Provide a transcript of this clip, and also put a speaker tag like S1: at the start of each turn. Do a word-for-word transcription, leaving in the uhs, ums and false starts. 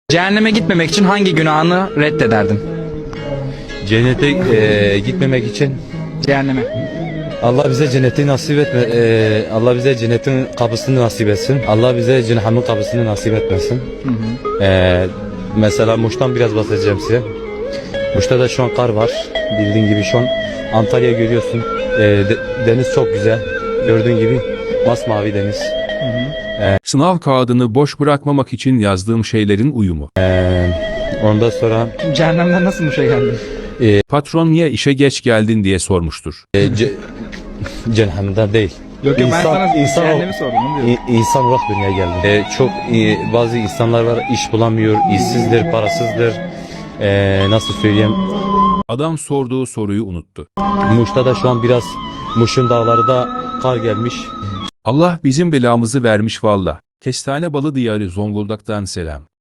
S1: Cehenneme gitmemek için hangi günahını reddederdin?
S2: Cennete e, gitmemek için
S1: Cehenneme.
S2: Allah bize cenneti nasip etme. e, Allah bize cennetin kapısını nasip etsin. Allah bize cehennemin kapısını nasip etmesin.
S1: Hı hı.
S2: E, mesela Muş'tan biraz bahsedeceğim size. Muş'ta da şu an kar var. Bildiğin gibi şu an Antalya görüyorsun. E, de, deniz çok güzel. Gördüğün gibi masmavi deniz.
S1: Hı hı.
S3: Sınav kağıdını boş bırakmamak için yazdığım şeylerin uyumu.
S2: E, ondan sonra
S1: Cehennemden nasıl bu şey geldin?
S3: Patron niye işe geç geldin diye sormuştur.
S2: e, ce, cehennemden değil.
S1: Yok yok ben
S2: İnsan-
S1: sana
S2: insan-
S1: cehennemi sordum. Onu diyorum.
S2: İ- İnsan olarak dünyaya geldim. Ee, çok e, bazı insanlar var, iş bulamıyor, işsizdir, parasızdır. Ee, nasıl söyleyeyim?
S3: Adam sorduğu soruyu unuttu.
S2: Muş'ta da şu an biraz Muş'un dağları da kar gelmiş.
S3: Allah bizim belamızı vermiş valla. Kestane balı diyarı Zonguldak'tan selam.